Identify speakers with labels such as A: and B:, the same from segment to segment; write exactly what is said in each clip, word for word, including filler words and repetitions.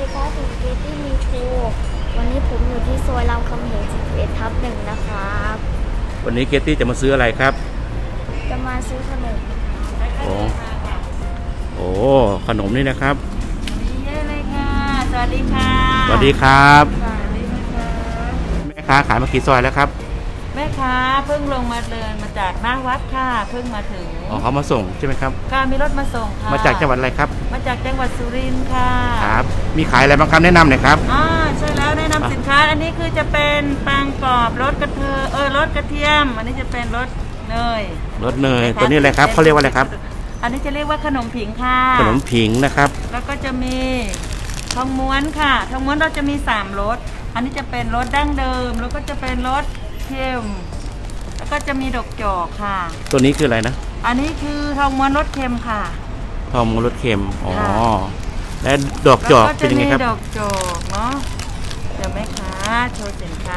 A: ดีครับผมเกตตี้มีโชว์วันนี้ผมอยู่ที่ซอยรามคำแหงสิบเอ็ดทับหนึ่งนะครับ
B: วันนี้เกตตี้จะมาซื้ออะไรครับ
A: จะมาซื้อขนม
B: โอ้โอ้ขนมนี่นะครับ
C: เยอะเลยค่ะสวัสดีค่ะ
B: สวัสดีครับ
C: สวัสดีค่ะ
B: แม่ค้าขายมากี่ซอยแล้วครับ
C: แม่ค้าเพิ่งลงมาเดินมาจากหน้าวัดค่ะเพิ่งมาถึง
B: อ๋อเขามาส่งใช่ไหมครับ
C: ค่ะมีรถมาส่งค่ะ
B: มาจากจังหวัดอะไรครับ
C: มาจากจังหวัดสุรินทร์ค่ะ
B: ครับมีขายอะไรบ้างครับแนะนำหน่อยครับ
C: อ่าใช่แล้วแนะนำสินค้าอันนี้คือจะเป็นปังกรอบรสกระเทียมเออรสกระเทียมอันนี้จะเป็นรสเนย
B: รสเนยตัวนี้อะไรครับเขาเรียกว่าอะไรครับ
C: อันนี้จะเรียกว่าขนมผิงค่ะ
B: ขนมผิงนะครับ
C: แล้วก็จะมีทองม้วนค่ะทองม้วนเราจะมีสามรสอันนี้จะเป็นรสดั้งเดิมแล้วก็จะเป็นรสเค็มแล้วก็จะมีดอกจอกค่ะ
B: ตัวนี้คืออะไรนะ
C: อันนี้คือทองม้วนรสเค็มค่ะ
B: ทองม้วนรสเค็มอ๋อและดอกจอกเป็นยังไงครับ
C: ดอกจอกเนาะเดี๋ยวแม่ค้าโชว์สินค้า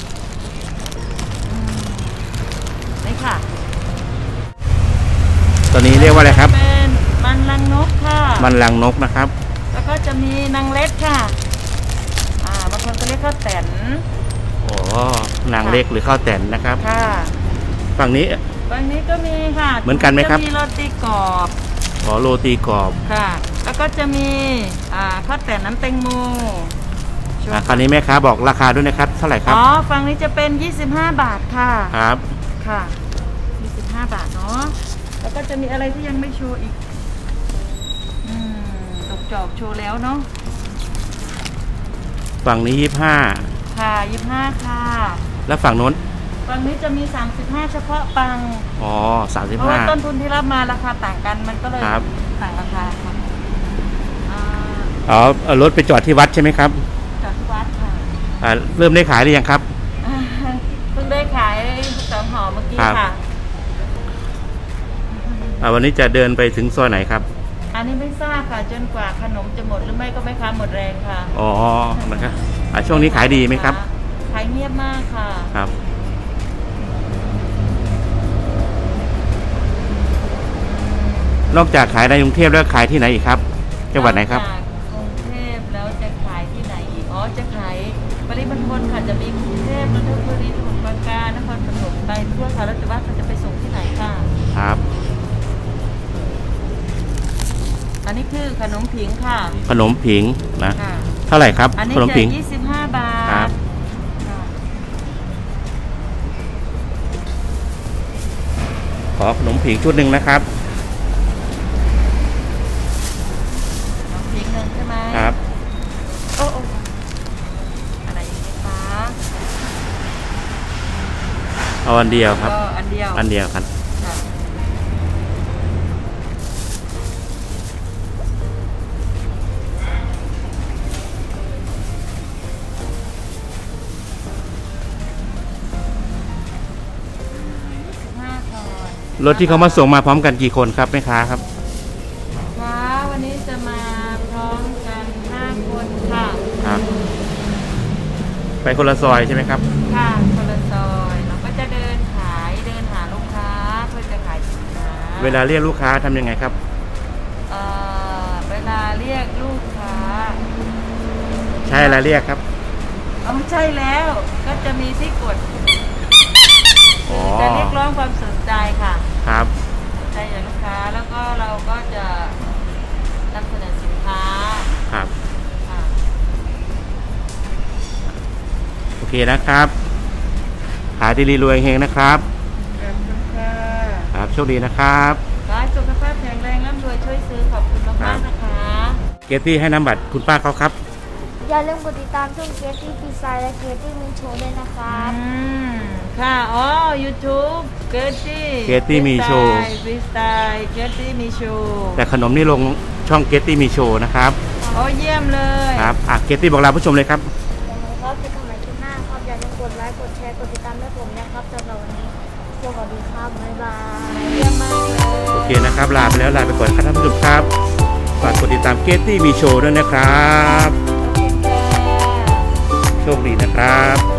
C: นี่ค่ะ
B: ตัวนี้เรียกว่าอะไรครับ
C: เป็นมันลังนกค่ะ
B: มันลังนกนะครับ
C: แล้วก็จะมีนางเล็ดค่ะอ่าบางคนก็เรียกข้าวแตน
B: โอ้นางเล็กหรือข้าวแตนนะครับ
C: ค่ะ
B: ฝั่งนี้
C: ฝั่งนี้ก็มีค่ะ
B: เหมือนกันไหมครับ
C: จะมีโรตีกรอบ
B: อ๋อโรตีกรอบ
C: ค่ะแล้วก็จะมีอ่าข้าวแตนน้ำแตงโม
B: อ่าคราวนี้แม่ค้าบอกราคาด้วยนะครับเท่าไหร่ครับ
C: อ๋อฝั่งนี้จะเป็นยี่สิบห้าบาทค่ะ
B: ครับ
C: ค่ะยี่สิบห้าบาทเนาะแล้วก็จะมีอะไรที่ยังไม่โชว์อีกอืมดอกจอกโชว์แล้วเนาะ
B: ฝั่งนี้ยี่สิบห้า
C: ค่ะยี่สิบห้าค่ะ
B: แล้วฝั่งโน้น
C: ฝั่งนี้จะมีสามสิบห้าเฉพาะปัง
B: อ๋อสามสิบห้า
C: เพราะว่าต้นทุนที่รับมาราคาต่างกันมันก็เลยต่างราคาค่ะ
B: อ๋อรถไปจอดที่วัดใช่ไหมครับ
C: จอดที่วัดค่ะ
B: อ่าเริ่มได้ขายหรือยังครับ
C: เพิ่งได้ขายสองห่อเมื่อกี้ค่ะ
B: วันนี้จะเดินไปถึงซอยไหนครับ
C: อันนี้ไม่ทราบค่ะจนกว่าขนมจะหมดหรือไม่ก็ไม่ค้าหมดแรงค่ะ
B: อ๋อนะครับช่วงนี้ขายดีไหมครับ
C: ขายเงียบมากค่ะ
B: ครับนอกจากขายในกรุงเทพแล้วขายที่ไหนอีกครับจังหวัดไหนครับ
C: กรุงเทพแล้วจะขายที่ไหนอีกอ๋อจะขายปริมณฑลค่ะจะมีกรุงเทพนนทบุรีสมุทรปราการนครปฐมไปทั่วค่ะแล้วแต่ว่าเขาจะไปส่งที่ไหนค่ะ
B: ครับ
C: อันนี้คือขนมผิงค่ะ
B: ขนมผิงนะเท่าไหร่ครับ
C: ขนมผิงยี่สิบห้าบาท
B: ขอขนมผิงชุดหนึ่งนะครับ
C: ขนมผิงหนึ่งใช่ไหม
B: ครับ
C: โอ้โอ้อะไรอย่างนี้คะ
B: เอาอันเดียวครับ
C: อันเดียว
B: อันเดียวครับรถที่เขามาส่งมาพร้อมกันกี่คนครับแม่ค้าครับ
C: ค่ะวันนี้จะมาพร้อมกันห้าคนค่ะ
B: ครับไปคนละซอยใช่ไหมครับ
C: ค่ะคนละซอยเราก็จะเดินขายเดินหาลูกค้าเพื่อจะขายสินค้า
B: เวลาเรียกลูกค้าทำยังไงครับ
C: เอ่อเวลาเรียกลูกค้า
B: ใช่อะไรเรียกครับ
C: อ๋อใช่แล้วก็จะมีที่กดจะเรียกร้องความสนใจค่ะ
B: ครับ
C: สนใจจากลูกค้าแล้วก็เราก็จะนำเสนอสินค้า
B: ครับโอเคนะครับขายดีรวยเฮงนะครับ
C: ขอบคุณค่ะ
B: ครับโชคดีนะครับ
C: ขอให้สุขภาพแข็งแรงร่ำรวยช่วยซื้อขอบคุณมากมากนะคะ
B: เกตตี้ให้น้ำบัตรคุณป้าเขาครับ
A: อย่าลืมกดติดตามช่องเกตตี้พีไซและเกตตี้มีโชว์ด้วยนะครับ
C: ค่ะอ๋อ YouTube เกตตี้
B: เกตตี้มีโชว์
C: ฟรีสไตล์เกตตี้มีโชว์
B: แต่ขนมนี่ลงช่องเกตตี้มีโชว์นะครับ
C: โอ้เยี่ยมเลย
B: ครับอ่ะเกตตี้บอกลาผู้ชมเลยครับ
A: ยังไงครับจะทำอะไรคลิปหน้าครับอย่าลืมกดไลค์กดแชร์กดติดตามให้ผมนะครับสำหรับวันนี้สวัสดีครับบ๊ายบาย
C: เยี่ยมมากเลย
B: โอเคนะครับลาไปแล้วลาไปก่อนครับท่านผู้ชมครับฝากกดติดตามเกตตี้มีโชว์ด้วยนะครับโชคดีนะครับ